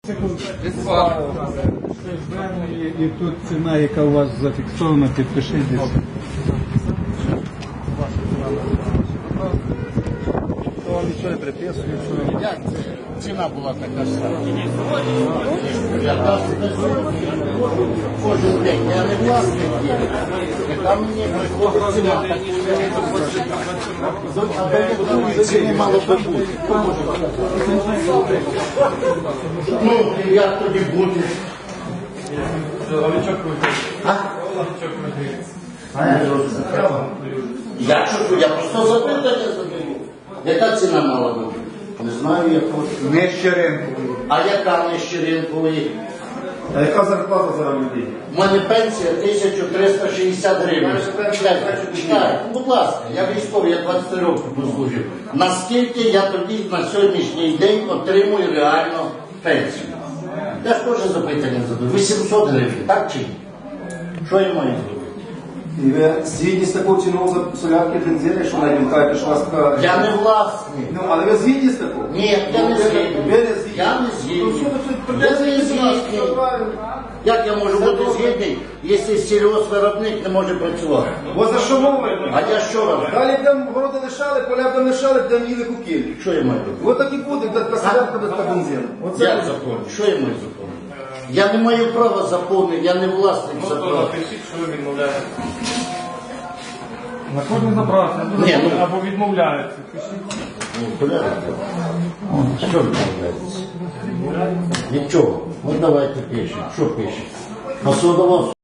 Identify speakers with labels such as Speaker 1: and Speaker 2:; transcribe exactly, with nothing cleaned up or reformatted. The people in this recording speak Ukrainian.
Speaker 1: І тут ціна, яка у вас зафіксована, підпишіть десь. То вам нічого не приписує, що...
Speaker 2: Як це? Ціна була така ж сама. Кожен день я не власник є. Яка мені приходить ціна? А до ціни мало би бути. Ну, як тоді бути? А? Я що, я просто запитання задаю. Яка ціна мала бути? Не знаю, яку.
Speaker 3: Не щеринкової.
Speaker 2: А яка не щеринкової?
Speaker 3: А яка зарплата зараз людей?
Speaker 2: У мене пенсія тисяча триста шістдесят гривень. Чекайте, чекайте, будь ласка, я військовий, я двадцять років послужив. Наскільки я тоді на сьогоднішній день отримую реально пенсію? Я ж теж запитання задаю. вісімсот гривень, так чи ні? Що я маю зробити?
Speaker 3: І ви згідні з такою ціною за солярки бензини, що навіть кажете, що у вас така...
Speaker 2: Я не власник.
Speaker 3: Ну, але ви згідні з такою?
Speaker 2: Ні, я не
Speaker 3: Ви-
Speaker 2: згідний.
Speaker 3: Ви не згідні?
Speaker 2: Я не згідний.
Speaker 3: Ну, що ви тут
Speaker 2: Я
Speaker 3: придеться
Speaker 2: не
Speaker 3: йти до нас?
Speaker 2: згідний.
Speaker 3: Все правильно.
Speaker 2: Як я можу бути згідний, якщо сільгоспвиробник не може працювати?
Speaker 3: Бо за що мовою?
Speaker 2: А я що роблю?
Speaker 3: Далі там городи лишали, поля там лишали, там їли кукілі.
Speaker 2: Що я маю робити?
Speaker 3: Ось так і буде, така солярка без та бензину. Оце
Speaker 2: Як
Speaker 3: буде.
Speaker 2: закон? Що я маю законити? Я не маю права законити, я не власник закону.
Speaker 4: Напишіть, що ви відмовляєте. На кожну заправку.
Speaker 2: Ні, ну-
Speaker 4: Або відмовляєте.
Speaker 2: Ну, порядок. Що відмовляється? Від чого? Ну давайте пишемо. Що пишемо? Посудово